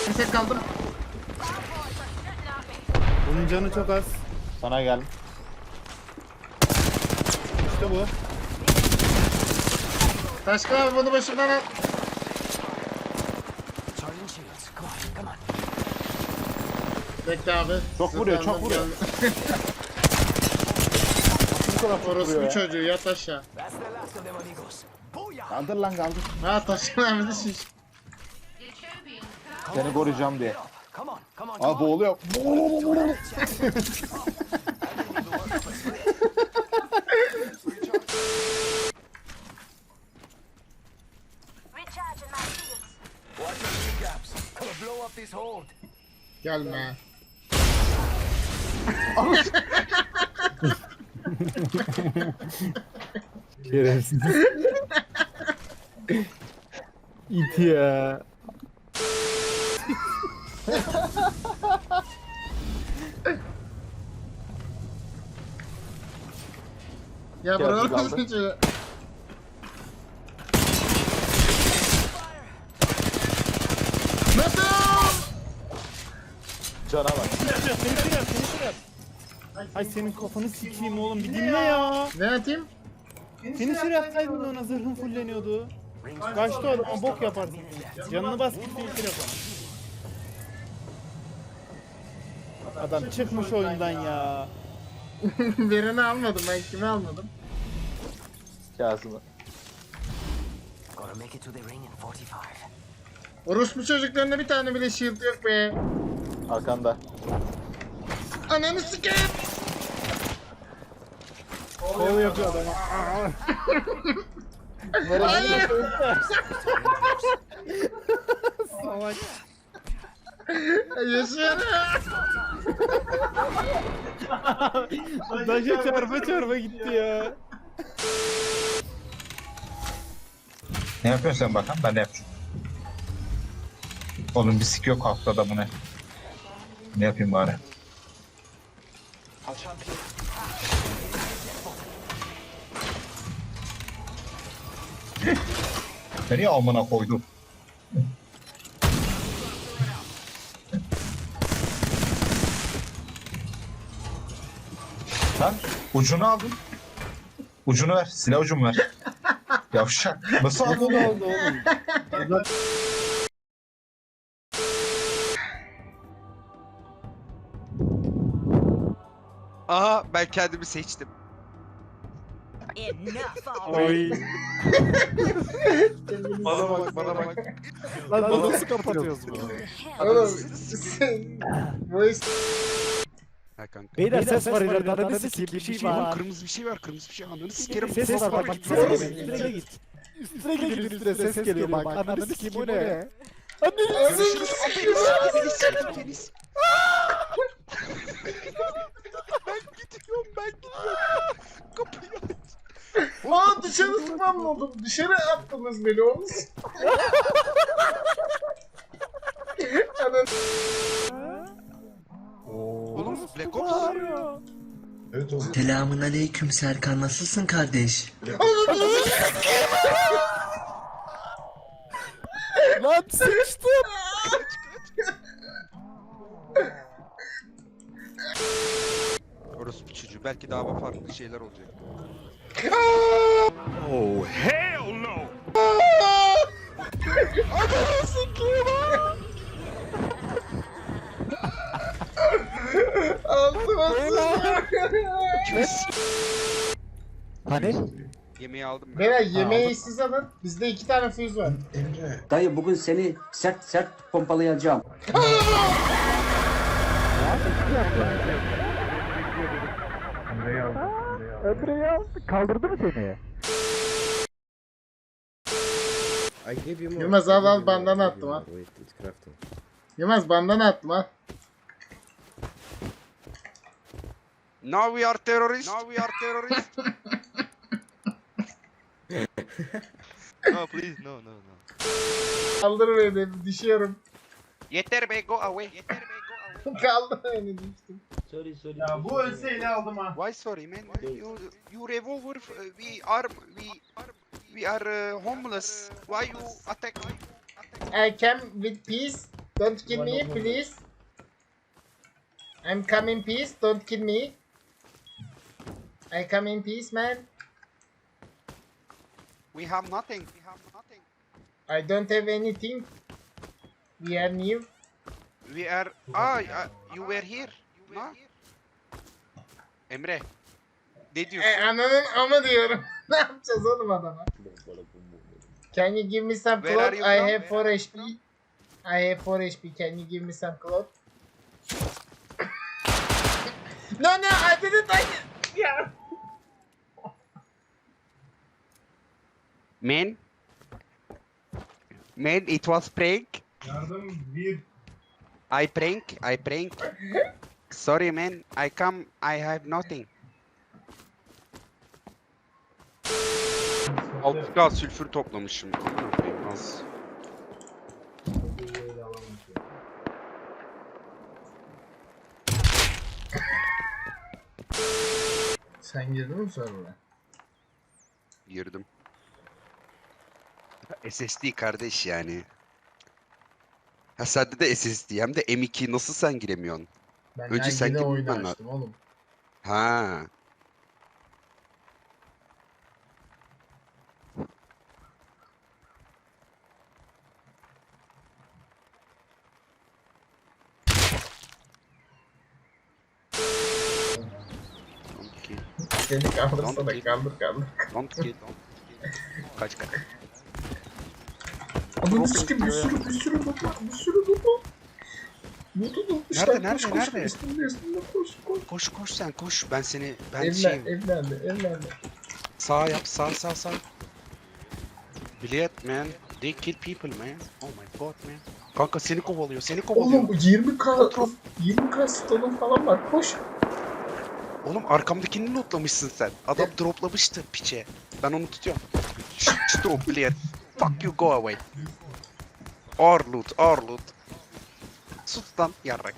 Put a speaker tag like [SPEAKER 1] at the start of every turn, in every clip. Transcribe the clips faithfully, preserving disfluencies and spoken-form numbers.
[SPEAKER 1] Bir tek kaldım.
[SPEAKER 2] Bunun canı çok az.
[SPEAKER 3] Sana gel.
[SPEAKER 2] İşte bu.
[SPEAKER 1] Taşkın abi bunu başımdan al. Bekle abi.
[SPEAKER 3] Çok vuruyor, çok
[SPEAKER 1] Zıplandım,
[SPEAKER 3] vuruyor.
[SPEAKER 1] geldim.
[SPEAKER 3] Bu kadar çok vuruyor
[SPEAKER 1] Orospu
[SPEAKER 3] ya.
[SPEAKER 1] çocuğu yat aşağı.
[SPEAKER 3] Kaldır lan kaldır.
[SPEAKER 1] Ha Taşkın abi de şiş.
[SPEAKER 3] Seni koruyacağım diye. Aa boğuluyor.
[SPEAKER 1] Gelme.
[SPEAKER 2] Şerefsiz. İt ya.
[SPEAKER 1] Ya
[SPEAKER 3] Geldi,
[SPEAKER 1] bırak
[SPEAKER 3] kaldı.
[SPEAKER 1] çocuğu. Nasıl?
[SPEAKER 3] Cana bak.
[SPEAKER 2] Seni kırar, seni kırar. Ay senin kafanı sikeyim oğlum, bir dinle ya.
[SPEAKER 1] Ne atayım?
[SPEAKER 2] Seni şuraya atsaydın ona, zırhın fulleniyordu. Kaçtı o adam, bok yaparsın. Canını bas git bir yap ona. Adam çıkmış oyundan ya.
[SPEAKER 1] Birini almadım ben kimi almadım?
[SPEAKER 3] Kasım'ı.
[SPEAKER 1] Orospu çocuklarında bir tane bile shield yok be.
[SPEAKER 3] Arkanda.
[SPEAKER 1] Ananı sikeyim.
[SPEAKER 2] Kol yapıyor adama.
[SPEAKER 1] Hayır.
[SPEAKER 2] Salak.
[SPEAKER 1] Yaşıyorum.
[SPEAKER 2] Daşa çarpa çarpa gitti ya.
[SPEAKER 4] Ne yapıyorsun sen bakalım? Ben de yapacağım. Oğlum bir sik yok haftada bu ne? Ne yapayım bari? Nereye amına koydum? Lan ucunu aldım. Ucunu ver. Silah ucumu ver. Yavşak. Nasıl aldın
[SPEAKER 2] Ne
[SPEAKER 4] onu?
[SPEAKER 2] oldu oğlum?
[SPEAKER 5] Aha ben kendimi seçtim.
[SPEAKER 2] Oy.
[SPEAKER 5] Bana bak bana bak.
[SPEAKER 2] Lan bunu nasıl kapatıyoruz bunu?
[SPEAKER 1] Oğlum sen- bu iş
[SPEAKER 5] Ha kanka.
[SPEAKER 2] Beyler ses var ileride, ananı sikeyim, bir şey
[SPEAKER 5] Oğlum
[SPEAKER 2] var.
[SPEAKER 5] kırmızı bir şey var kırmızı bir şey. Ananı sikerim.
[SPEAKER 2] Ses var bak, üstüne git. Üstüne gidin, üstüne ses geliyor bak, ananı sikeyim, bu ne?
[SPEAKER 5] Görüşürüz. Deniz sikeyim Deniz. Ben gidiyorum ben gidiyorum. Kapıyı aç.
[SPEAKER 1] Aa dışarı spamladım. Dışarı attınız beni oğlum. Ananı
[SPEAKER 5] Oğlum Black Ops.
[SPEAKER 6] Selamun aleyküm Serkan, nasılsın kardeş?
[SPEAKER 2] Lan sıçtım.
[SPEAKER 5] Orası bir çocuğu. Belki daha farklı şeyler olacak.
[SPEAKER 1] altıma
[SPEAKER 2] Hani?
[SPEAKER 5] Yemeği aldım ben.
[SPEAKER 1] Beyler yemeği siz alın. Bizde iki tane füze var.
[SPEAKER 7] Dayı bugün seni sert sert pompalayacağım.
[SPEAKER 2] Öbürü ya, kaldırdı mı seni?
[SPEAKER 1] Yılmaz al al bandana attım ha. Yılmaz bandana attım ha.
[SPEAKER 5] Now we are terrorists. Now we are terrorists. No please no no no.
[SPEAKER 1] Kaldır beni düşüyorum.
[SPEAKER 5] Yeter be go away. Yeter be go away.
[SPEAKER 1] Kaldır beni düştüm.
[SPEAKER 2] Ya bu ölseydi aldım ha.
[SPEAKER 5] Why sorry man? You you revolver. uh, We are we we are uh, homeless. Why you attack?
[SPEAKER 1] I came with peace. Don't kill me, please. I'm coming peace. Don't kill me. I come in peace, man.
[SPEAKER 5] We have nothing. We have nothing.
[SPEAKER 1] I don't have anything. We are new.
[SPEAKER 5] We are... Ah, ah, you were here. No? Emre. Ne diyorsun?
[SPEAKER 1] E, ananın ama diyorum. Ne yapacağız oğlum adama? Can you give me some
[SPEAKER 5] Where
[SPEAKER 1] cloth?
[SPEAKER 5] are you
[SPEAKER 1] I
[SPEAKER 5] from?
[SPEAKER 1] have
[SPEAKER 5] Where
[SPEAKER 1] four
[SPEAKER 5] are
[SPEAKER 1] H P. I have four H P. Can you give me some cloth? No, no, I didn't like it. Yeah.
[SPEAKER 5] Man. Man, it was prank.
[SPEAKER 8] Yardım bir.
[SPEAKER 5] I prank. I prank. Sorry man. I come. I have nothing. altı K sülfür toplamışım. Amına koyayım, az.
[SPEAKER 1] Sen girdin mi sonra?
[SPEAKER 5] Girdim. S S D kardeş yani. Ha sende de S S D hem de M iki nasıl sen giremiyorsun?
[SPEAKER 1] Ben
[SPEAKER 5] Önce sen
[SPEAKER 1] yine
[SPEAKER 5] gir,
[SPEAKER 1] oyunu
[SPEAKER 5] ben-
[SPEAKER 1] açtım oğlum.
[SPEAKER 5] Ha. Don't kill,
[SPEAKER 1] Seni kaldırsana
[SPEAKER 5] Tamam,
[SPEAKER 1] kaldır kaldır.
[SPEAKER 5] don't kill. Kaç kaç.
[SPEAKER 1] Ananı sikim bir sürü bir sürü loot var bir sürü loot var. Loot'u tutmuşlar.
[SPEAKER 5] Nerede, nerede,
[SPEAKER 1] koş, koş,
[SPEAKER 5] nerede?
[SPEAKER 1] Üstünde üstünde koş koş.
[SPEAKER 5] Koş koş sen koş. Ben seni ben
[SPEAKER 1] Evlen,
[SPEAKER 5] şey
[SPEAKER 1] evlendi evlendi.
[SPEAKER 5] sağ yap sağ sağ sağ. Bilet man. They kill people man. Oh my god man. Kanka seni kovalıyor seni kovalıyor.
[SPEAKER 1] Oğlum yirmi K yirmi K stonun falan var koş.
[SPEAKER 5] Oğlum arkamdakini lootlamışsın sen. Adam droplamıştı piçe. Ben onu tutuyorum. Şşt şşt drop bilet. Fuck you go away. Our loot our loot. Sus lan yarrak.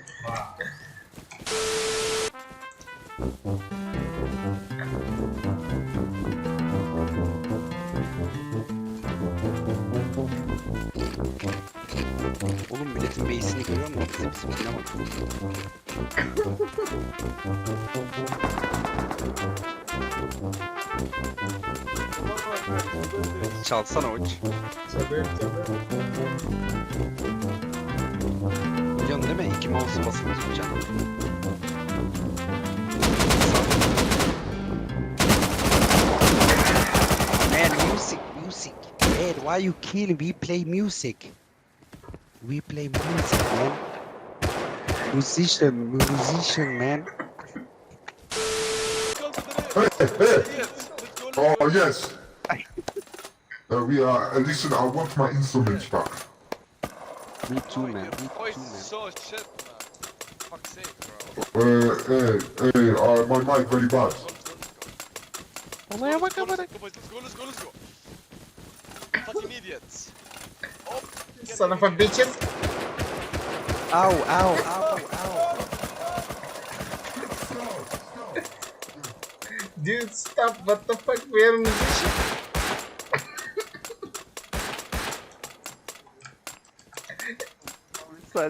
[SPEAKER 5] Oğlum milletin base'ini görüyor musun? Bize bizimkine bak. Çalsana uç.
[SPEAKER 1] Tabii tabii.
[SPEAKER 5] Biliyorsun değil mi? İki mouse'u basılı tutacaksın. Man, music, music. Man, why you kill? We play music. We play music, man. Musician, musician, man.
[SPEAKER 9] Oh yes. Uh, we are. Uh, listen, I want my instruments back.
[SPEAKER 5] Me too, man. Me too,
[SPEAKER 10] Voice
[SPEAKER 5] man.
[SPEAKER 10] so shit, man. Fuck's sake, bro.
[SPEAKER 9] Uh, hey, hey, uh, my mic very bad.
[SPEAKER 5] Olaya bak
[SPEAKER 10] Let's go,
[SPEAKER 5] amına.
[SPEAKER 10] let's go, boys. Let's go, let's go, let's go. Fucking idiots. Oh, get
[SPEAKER 1] Son of
[SPEAKER 10] the-
[SPEAKER 1] a bitches.
[SPEAKER 5] Ow, ow, ow, ow.
[SPEAKER 1] Dude stop what the fuck we are musician.
[SPEAKER 5] Lütfen.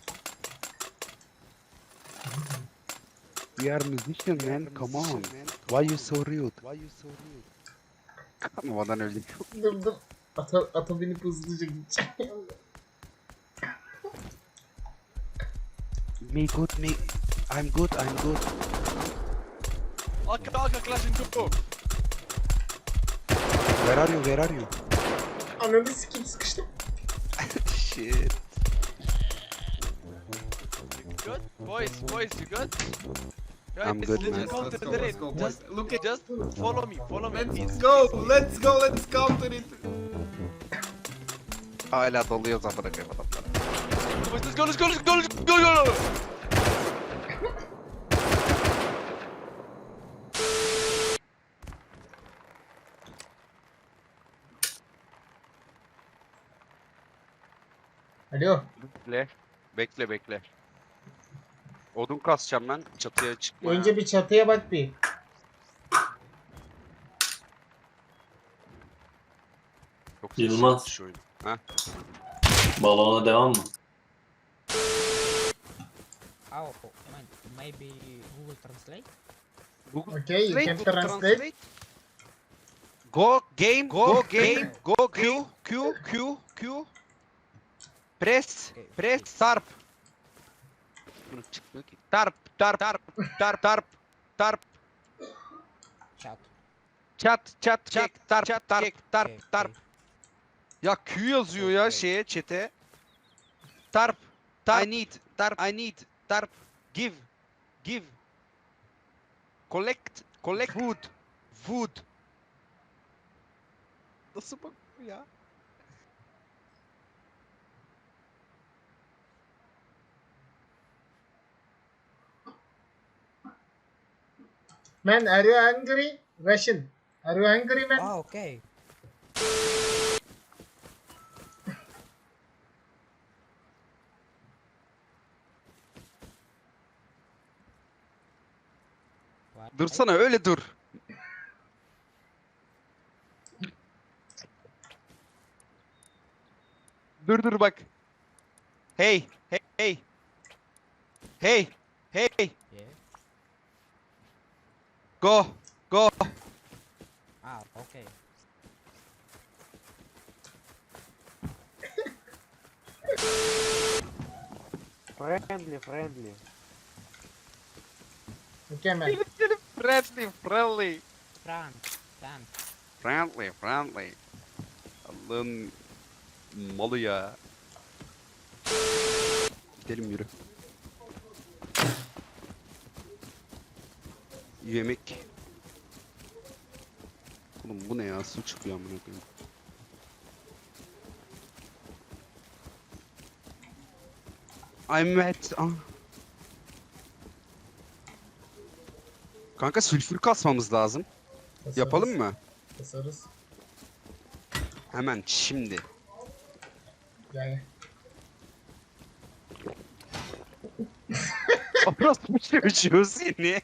[SPEAKER 5] We are musician, man. Come on. Why you so rude? Why you so rude? Kanmadan öldüm.
[SPEAKER 1] Dur dur. Ata, ata binip hızlıca gideceğim.
[SPEAKER 5] Me good, me. I'm good, I'm good.
[SPEAKER 10] Arka, arka, clash and go.
[SPEAKER 5] Where are you? Where are you?
[SPEAKER 1] Ananı sikim sıkıştım.
[SPEAKER 5] Shit.
[SPEAKER 10] Good? Boys, boys, you good? Guys,
[SPEAKER 5] I'm good,
[SPEAKER 10] let's
[SPEAKER 5] man.
[SPEAKER 10] counter
[SPEAKER 8] Let's go,
[SPEAKER 10] the
[SPEAKER 8] let's
[SPEAKER 10] raid.
[SPEAKER 8] go, boys.
[SPEAKER 10] Just
[SPEAKER 8] Look at-
[SPEAKER 10] just follow me, follow me, please.
[SPEAKER 8] Let's go, let's go, let's counter it.
[SPEAKER 5] Hala doluyoruz amına koyayım adamlara.
[SPEAKER 10] Boys, let's go, let's go, let's go, let's go, go, go.
[SPEAKER 1] Alo.
[SPEAKER 5] Bekle. Bekle bekle. Odun kasacağım ben. Çatıya çıkma.
[SPEAKER 1] Önce bir çatıya bak bir.
[SPEAKER 5] Çok
[SPEAKER 11] Yılmaz.
[SPEAKER 5] sessiz şu oyun. Ha?
[SPEAKER 11] Balona devam mı? Oh, maybe Google Translate?
[SPEAKER 5] Google
[SPEAKER 1] Okay, you can
[SPEAKER 5] Google
[SPEAKER 1] translate.
[SPEAKER 5] Go game, go game, go Q, Q, Q, Q. Press, press, tarp. Bunu çıkmıyor ki. Tarp, tarp, tarp, tarp, tarp, tarp.
[SPEAKER 11] Chat.
[SPEAKER 5] Chat, chat, chat, tarp, tarp, tarp,
[SPEAKER 11] Okay,
[SPEAKER 5] tarp, tarp. Ya Q yazıyor ya şeye, chat'e. Tarp, tarp. I need, tarp, I need, tarp. Give, give. Collect, collect. Food, food. Nasıl bak bu ya?
[SPEAKER 1] Man, are you angry? Russian. Are you angry, man?
[SPEAKER 11] Oh, okay. What?
[SPEAKER 5] Dursana öyle dur. Dur dur bak. Hey, hey, hey. Hey, hey.
[SPEAKER 11] Yeah.
[SPEAKER 5] Go, go.
[SPEAKER 11] Ah, okay.
[SPEAKER 2] Friendly, friendly.
[SPEAKER 1] Okay, man.
[SPEAKER 5] Friendly, friendly.
[SPEAKER 11] France, France.
[SPEAKER 5] Friendly, friendly. Allah'ın malı ya. Gidelim yürü. Yemek. Oğlum bu ne ya? Su çıkıyor amına koyayım. I'm wet. Ah. Kanka sülfür kasmamız lazım.
[SPEAKER 1] Kasarız,
[SPEAKER 5] Yapalım mı?
[SPEAKER 1] Kasarız.
[SPEAKER 5] Hemen şimdi.
[SPEAKER 1] Yani.
[SPEAKER 5] Orası mı çocuğu seni?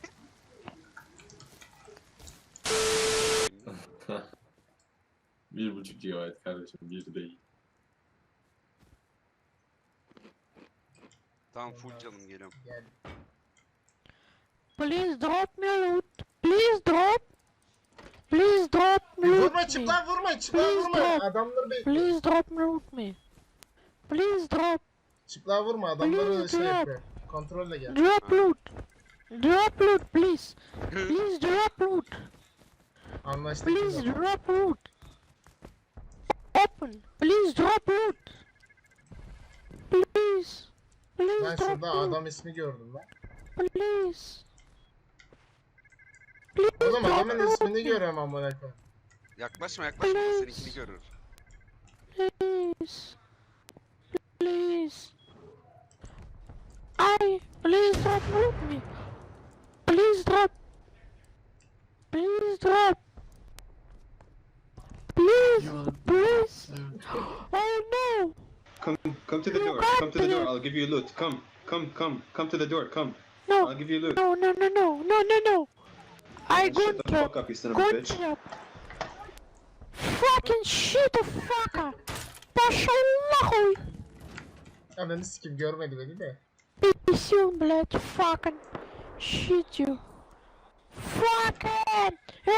[SPEAKER 8] Bir buçuk gigabayt kardeşim, bir değil.
[SPEAKER 5] Tamam full canım geliyorum.
[SPEAKER 1] Yani.
[SPEAKER 11] Please drop me loot. Please drop. Please drop me loot
[SPEAKER 1] Vurma
[SPEAKER 11] me.
[SPEAKER 1] çıplak vurma çıplak
[SPEAKER 11] Please
[SPEAKER 1] vurma.
[SPEAKER 11] drop.
[SPEAKER 1] Adamları bir
[SPEAKER 11] Please drop me loot me. Please drop.
[SPEAKER 1] çıplak vurma. Adamları
[SPEAKER 11] Please
[SPEAKER 1] şey
[SPEAKER 11] drop.
[SPEAKER 1] yapıyor. Kontrolle gel.
[SPEAKER 11] Drop loot. Drop loot, please. Please drop loot.
[SPEAKER 1] Anlaştık.
[SPEAKER 11] Please
[SPEAKER 1] biz de.
[SPEAKER 11] drop loot. Open. Please drop loot. Please. Please
[SPEAKER 1] Ben
[SPEAKER 11] drop
[SPEAKER 1] şurada
[SPEAKER 11] loot.
[SPEAKER 1] adam ismi gördüm lan.
[SPEAKER 11] Please. Please
[SPEAKER 1] Oğlum
[SPEAKER 11] drop
[SPEAKER 1] adamın
[SPEAKER 11] loot
[SPEAKER 1] ismini
[SPEAKER 11] me.
[SPEAKER 1] görüyorum amına koyayım.
[SPEAKER 5] Yaklaşma yaklaşma da seninkini görür.
[SPEAKER 11] Please. Please. I. Please drop loot me. Please drop. Please drop. Please. Please. Oh no.
[SPEAKER 10] Come, come to the
[SPEAKER 11] You
[SPEAKER 10] door.
[SPEAKER 11] got
[SPEAKER 10] Come to the door.
[SPEAKER 11] me.
[SPEAKER 10] I'll give you loot. Come, come, come, come to the door. Come.
[SPEAKER 11] No.
[SPEAKER 10] I'll give you loot.
[SPEAKER 11] No, no, no, no, no, no, no. I
[SPEAKER 10] Shut
[SPEAKER 11] got
[SPEAKER 10] the
[SPEAKER 11] trap.
[SPEAKER 10] fuck up, you son of a
[SPEAKER 11] Got
[SPEAKER 10] bitch.
[SPEAKER 11] trap. Fucking shit, fucker. Пошел нахуй.
[SPEAKER 1] Ananı sikim görmedi beni de.
[SPEAKER 11] Писюн, блядь, fucking shit you. Fucking.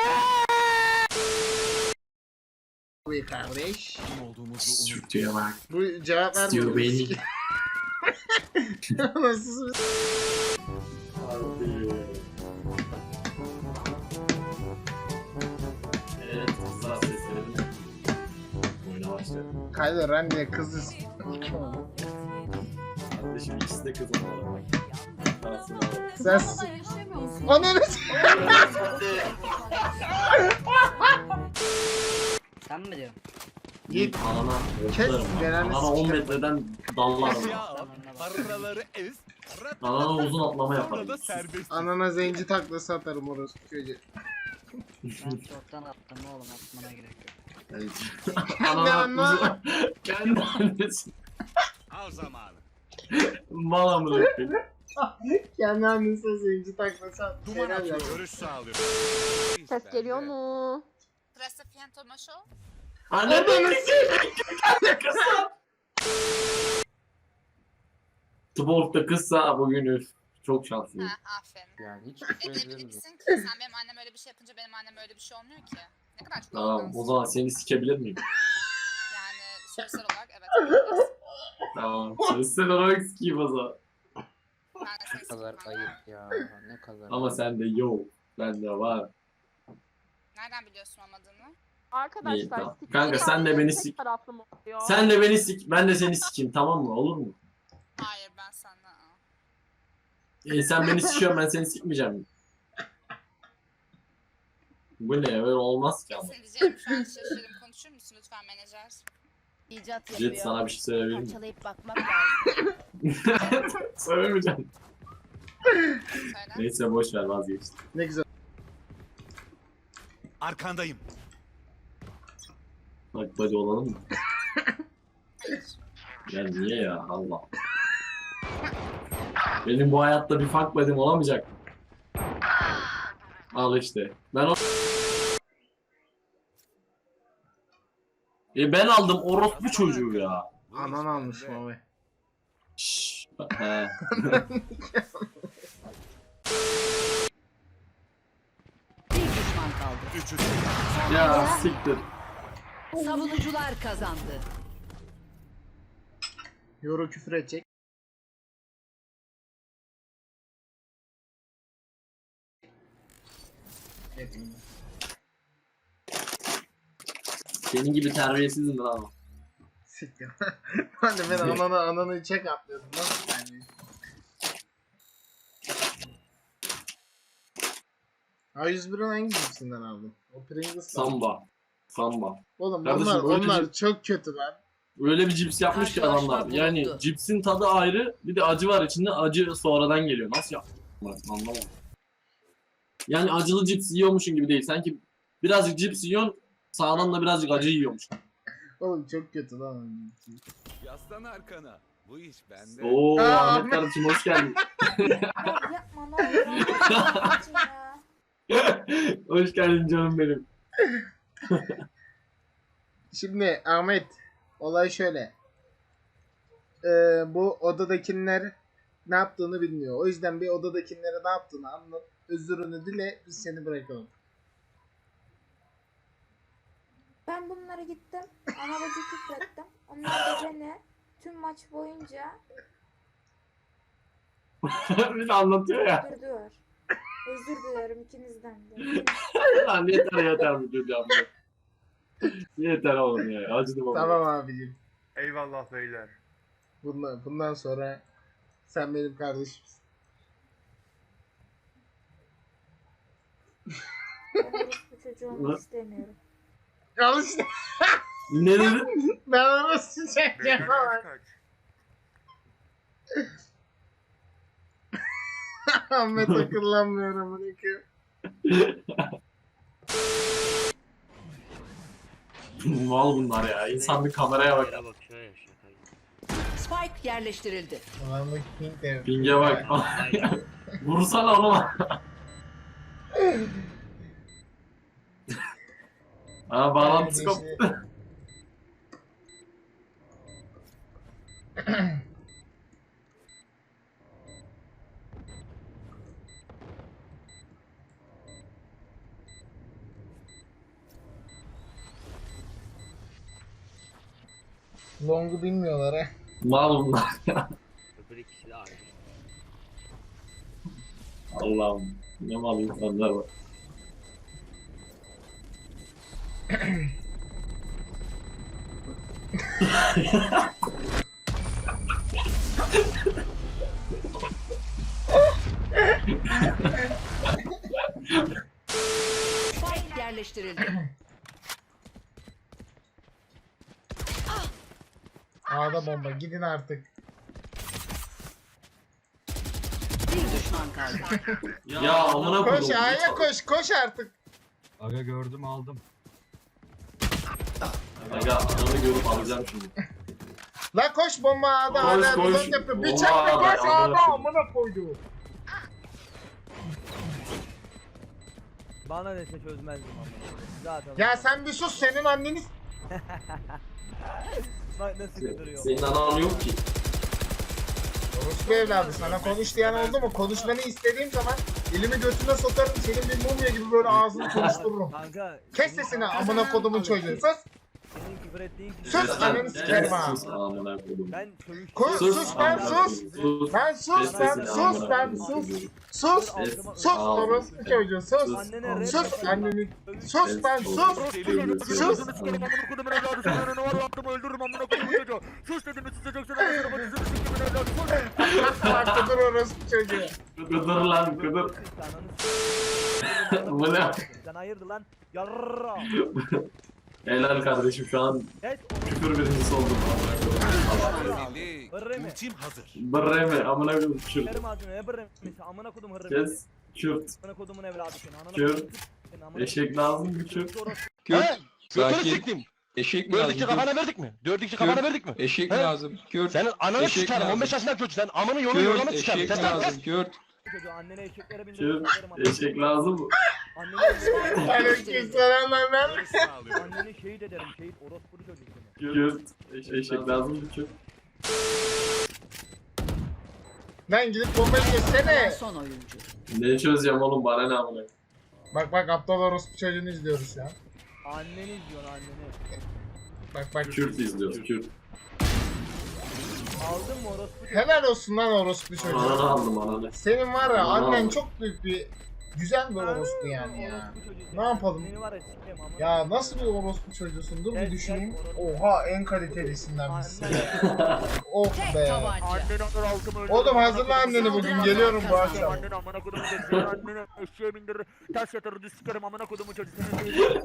[SPEAKER 1] Bu kardeş.
[SPEAKER 8] Sürtüye bak.
[SPEAKER 1] Bu cevap
[SPEAKER 8] İstiyor
[SPEAKER 1] vermiyor.
[SPEAKER 8] beni.
[SPEAKER 1] Sikim. Nasıl?
[SPEAKER 8] Evet, kızlar seslerini. Oyuna başladı.
[SPEAKER 1] Kylo Ren diye kızız.
[SPEAKER 8] Kardeşim ikisi de kız onlara bak. Parasını alalım.
[SPEAKER 1] Sen s- Ananı s-
[SPEAKER 7] Sen mi diyorsun?
[SPEAKER 1] Git.
[SPEAKER 8] Anana
[SPEAKER 1] Kes,
[SPEAKER 8] oklarım.
[SPEAKER 1] belanı
[SPEAKER 8] Anana on
[SPEAKER 1] sikerim.
[SPEAKER 8] metreden dallarım.
[SPEAKER 2] Paraları ez.
[SPEAKER 8] Anana uzun atlama yaparım.
[SPEAKER 1] Anana zenci taklası atarım orası çocuğu.
[SPEAKER 7] Ben çoktan attım oğlum, atmana gerek yok.
[SPEAKER 8] Anana
[SPEAKER 1] anla-
[SPEAKER 8] uzun. Kendi annesi.
[SPEAKER 2] Al zamanı.
[SPEAKER 8] Mal amına koyayım.
[SPEAKER 1] Kendi annesine zenci taklası at.
[SPEAKER 2] Duman
[SPEAKER 1] Helal
[SPEAKER 2] atıyor.
[SPEAKER 1] ya.
[SPEAKER 2] Görüş sağlıyor.
[SPEAKER 12] Ses geliyor mu?
[SPEAKER 13] Burası Phantom Show.
[SPEAKER 8] Anne beni s***. Tuborg'da kızsa bugün üf. Çok şanslıyım.
[SPEAKER 13] Ha, aferin.
[SPEAKER 3] Yani hiç
[SPEAKER 13] E ne bilirsin ki? Sen benim annem öyle bir şey yapınca benim annem öyle bir şey olmuyor ki. Ne kadar çok
[SPEAKER 8] Tamam
[SPEAKER 13] arrogansın.
[SPEAKER 8] o zaman seni sikebilir miyim?
[SPEAKER 13] Yani sosyal olarak evet yapabilirsin.
[SPEAKER 8] Tamam. Sosyal olarak sikeyim o zaman.
[SPEAKER 13] Ben de seni
[SPEAKER 7] kadar
[SPEAKER 13] sikmem.
[SPEAKER 7] ayıp ya. Ne kadar.
[SPEAKER 8] Ama sende yok. Bende var.
[SPEAKER 13] Nereden biliyorsun olmadığını?
[SPEAKER 12] Arkadaşlar
[SPEAKER 8] İyi, tamam.
[SPEAKER 12] siktir
[SPEAKER 8] Kanka, sen de
[SPEAKER 12] yani,
[SPEAKER 8] beni
[SPEAKER 12] tek
[SPEAKER 8] sik.
[SPEAKER 12] taraflı mı oluyor?
[SPEAKER 8] Sen de beni sik. Ben de seni sikeyim tamam mı? Olur mu?
[SPEAKER 13] Hayır ben senden.
[SPEAKER 8] E, sen beni sikiyorsun ben seni sikmeyeceğim. Bu ne? Öyle olmaz ki ama.
[SPEAKER 13] Senin diyeceğim şu an şaşırdım. Konuşur musun lütfen menajer?
[SPEAKER 11] İcat
[SPEAKER 8] Jet
[SPEAKER 11] yapıyor.
[SPEAKER 8] sana bir şey söyleyebilir miyim?
[SPEAKER 11] Parçalayıp bakmak lazım.
[SPEAKER 8] Söylemeyeceğim.
[SPEAKER 13] Söyle.
[SPEAKER 8] Neyse boş ver vazgeçtim.
[SPEAKER 1] Ne güzel.
[SPEAKER 10] Arkandayım.
[SPEAKER 8] Bak body olalım mı?
[SPEAKER 13] Hayır.
[SPEAKER 8] Ya niye ya Allah. Benim bu hayatta bir fuck buddy'm olamayacak mı? Al işte. Ben o... E ben aldım orospu çocuğu ya.
[SPEAKER 1] Anan almış Mami.
[SPEAKER 8] Şşş. He.
[SPEAKER 11] Bir düşman kaldı.
[SPEAKER 10] Üçü.
[SPEAKER 8] Ya siktir.
[SPEAKER 11] Savunucular kazandı.
[SPEAKER 1] Yoru küfür edecek. Etmiyor.
[SPEAKER 8] Senin gibi terbiyesizim lan.
[SPEAKER 1] Siktir. Ben de ben ananı ananı çek atlıyordum. Nasıl yani? A yüz bir'in hangi cipsinden aldın? O Pringles.
[SPEAKER 8] Samba. Samba.
[SPEAKER 1] Oğlum
[SPEAKER 8] Kardeşim,
[SPEAKER 1] onlar
[SPEAKER 8] öyle
[SPEAKER 1] onlar
[SPEAKER 8] cip-
[SPEAKER 1] çok kötü lan.
[SPEAKER 8] Öyle bir cips yapmış ki
[SPEAKER 11] Karşılaşma
[SPEAKER 8] adamlar. Yani
[SPEAKER 11] bulundu.
[SPEAKER 8] cipsin tadı ayrı, bir de acı var içinde. Acı sonradan geliyor. Nasıl yaptılar? Anlamadım. Yani acılı cips yiyormuşsun gibi değil. Sanki birazcık cips yiyorsun, sağdan da birazcık acı yiyormuş.
[SPEAKER 1] Oğlum çok kötü lan.
[SPEAKER 10] Yaslan arkana. Bu iş bende.
[SPEAKER 8] Oo
[SPEAKER 1] Aa,
[SPEAKER 8] Ahmet
[SPEAKER 1] Ahmet.
[SPEAKER 8] kardeşim hoş geldin.
[SPEAKER 12] Yapma ne olur.
[SPEAKER 8] Hoş geldin canım benim.
[SPEAKER 1] Şimdi Ahmet olay şöyle. Ee, bu odadakiler ne yaptığını bilmiyor. O yüzden bir odadakilere ne yaptığını anlat. Özürünü dile biz seni bırakalım.
[SPEAKER 12] Ben bunlara gittim. Ana bacı küfrettim. Onlar da beni tüm maç boyunca
[SPEAKER 8] bir de anlatıyor ya.
[SPEAKER 12] öldürdüler. Özür dilerim ikinizden de.
[SPEAKER 8] Lan yeter yeter bu çocuğa. Yeter oğlum ya. Acıdım oğlum.
[SPEAKER 1] Tamam abicim.
[SPEAKER 10] Eyvallah beyler.
[SPEAKER 1] Bundan, bundan sonra sen benim kardeşimsin.
[SPEAKER 12] Ben orospu çocuğu olmak istemiyorum.
[SPEAKER 1] Al işte.
[SPEAKER 8] Ne dedin?
[SPEAKER 1] Ben onu sıcak falan. Ahmet akıllanmıyorum bunu ki.
[SPEAKER 8] Mal bunlar ya. İnsan bir kameraya bak.
[SPEAKER 11] Spike yerleştirildi.
[SPEAKER 1] Ulanlık pink de.
[SPEAKER 8] Pinge bak. Vursana onu. Aa bağlantısı koptu.
[SPEAKER 1] Long'u bilmiyorlar ha.
[SPEAKER 8] Mal bunlar ya. Allah'ım. Ne mal insanlar var.
[SPEAKER 11] Spike yerleştirildi.
[SPEAKER 1] A'da bomba gidin artık.
[SPEAKER 11] Bir düşman kaldı.
[SPEAKER 8] Ya amına koydum.
[SPEAKER 1] Koş A'ya koş koş artık.
[SPEAKER 10] Aga gördüm aldım.
[SPEAKER 8] Aga ananı görüp alacağım şimdi.
[SPEAKER 1] La koş bomba A'da
[SPEAKER 8] Koş,
[SPEAKER 1] hala
[SPEAKER 8] koş.
[SPEAKER 1] blok yapıyor.
[SPEAKER 8] Bomba
[SPEAKER 1] Bıçakla
[SPEAKER 8] A'da,
[SPEAKER 1] koş
[SPEAKER 8] amına
[SPEAKER 1] A'da
[SPEAKER 8] koyayım.
[SPEAKER 1] amına koydu.
[SPEAKER 7] Bana dese çözmezdim ama. Zaten.
[SPEAKER 1] Ya sen bir sus senin anneniz.
[SPEAKER 7] Bak nasıl
[SPEAKER 8] Senin anan yok ki.
[SPEAKER 1] Orospu evladı sana konuş diyen oldu mu? Konuşmanı istediğim zaman elimi götüne sokarım senin bir mumya gibi böyle ağzını konuştururum.
[SPEAKER 2] Kanka.
[SPEAKER 1] Kes sesini amına kodumun çocuğu. Sus.
[SPEAKER 2] Senin küfür ettiğin kişi.
[SPEAKER 1] Sus ananı sikerim ha.
[SPEAKER 8] Sus amına koydum.
[SPEAKER 2] Ben çövüş.
[SPEAKER 1] Sus sus lan sus.
[SPEAKER 8] Sus.
[SPEAKER 1] Lan sus lan sus lan sus. Sus. Sus orospu çocuğu sus.
[SPEAKER 2] Annene
[SPEAKER 1] Sus anneni. Sus lan sus. Sus. Bak dur orospu çocuğu.
[SPEAKER 8] Kıdır lan kıdır. Bu ne?
[SPEAKER 2] Sen hayırdır lan? Yarra.
[SPEAKER 8] Helal kardeşim şu an
[SPEAKER 2] Evet.
[SPEAKER 8] küfür birincisi oldum.
[SPEAKER 2] Hırrı mı?
[SPEAKER 8] Bırre mi? Amına koydum kürt.
[SPEAKER 2] Kerim ağzını ne hırrı mı? Amına kodum hırrı mı?
[SPEAKER 8] Kes. Kürt.
[SPEAKER 2] Amına kodumun evladı seni. Ananı
[SPEAKER 8] Kürt.
[SPEAKER 2] kodum. Seni amına
[SPEAKER 8] Eşek lazım mı kürt?
[SPEAKER 4] Kürt. Sakin. Eşek mi lazım?
[SPEAKER 10] Dördükçe kafana verdik mi? Dördükçe kafana verdik mi?
[SPEAKER 4] Eşek mi lazım? Kürt.
[SPEAKER 10] Senin ananı
[SPEAKER 4] Eşek
[SPEAKER 10] sikerim.
[SPEAKER 4] lazım.
[SPEAKER 10] on beş yaşından kötü sen. Amanı yolu
[SPEAKER 4] Kürt.
[SPEAKER 10] yolunu sikerim.
[SPEAKER 4] Eşek
[SPEAKER 10] Sen lan
[SPEAKER 4] lazım. Kürt.
[SPEAKER 2] çocuğu annene eşeklere bindirdim.
[SPEAKER 8] Kürt. Eşek lazım mı?
[SPEAKER 2] Annene
[SPEAKER 1] Aleykümselam lan ben.
[SPEAKER 2] Anneni şehit ederim. Şehit orospu çocuğu seni.
[SPEAKER 8] Kürt. Eş- Eşek lazım mı kürt?
[SPEAKER 1] Lan gidip bombayı geçsene.
[SPEAKER 13] Son oyuncu.
[SPEAKER 8] Ne çözeceğim oğlum bana ne amına?
[SPEAKER 1] Bak bak aptal orospu çocuğunu izliyoruz ya.
[SPEAKER 2] Anneni izliyor anneni.
[SPEAKER 1] Bak bak.
[SPEAKER 8] Kürt izliyoruz kürt.
[SPEAKER 2] Aldın mı orospu çocuğu?
[SPEAKER 1] Helal olsun lan orospu çocuğu.
[SPEAKER 8] Ananı aldım ananı.
[SPEAKER 1] Senin var ya
[SPEAKER 8] Ananı
[SPEAKER 1] annen
[SPEAKER 8] aldım.
[SPEAKER 1] çok büyük bir güzel bir orospu yani ya.
[SPEAKER 2] Orospu çocuğu seni.
[SPEAKER 1] Ne yapalım?
[SPEAKER 2] Seni var ya sikeyim amına.
[SPEAKER 1] Ya nasıl bir orospu çocuğusun? Dur bir düşüneyim. Oha en kalitelisinden misin?
[SPEAKER 2] Anne.
[SPEAKER 1] Oh be.
[SPEAKER 2] Anneni alır altımı öldürür.
[SPEAKER 1] Oğlum hazırla anneni bugün geliyorum bu akşam.
[SPEAKER 2] Anneni amına kodumu çocuğu. Seni anneni eşeğe bindirir. Ters yatırır düz sikerim amına kodumu çocuğu. Seni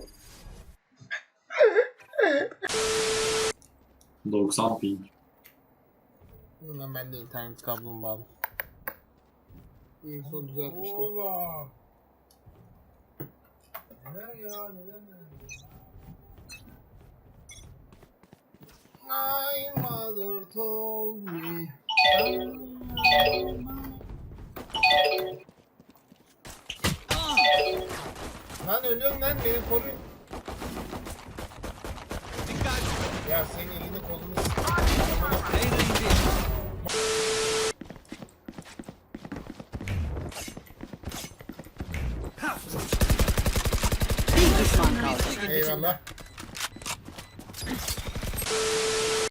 [SPEAKER 8] doksan ping.
[SPEAKER 1] Bundan ben de internet kablomu bağlı. En son düzeltmiştim. Oğlum. Neler ya neler neler. My mother told me. Lan ölüyorum lan beni koruyun. Ya senin elini kolunu
[SPEAKER 13] Bir düşman kaldı.
[SPEAKER 1] Eyvallah.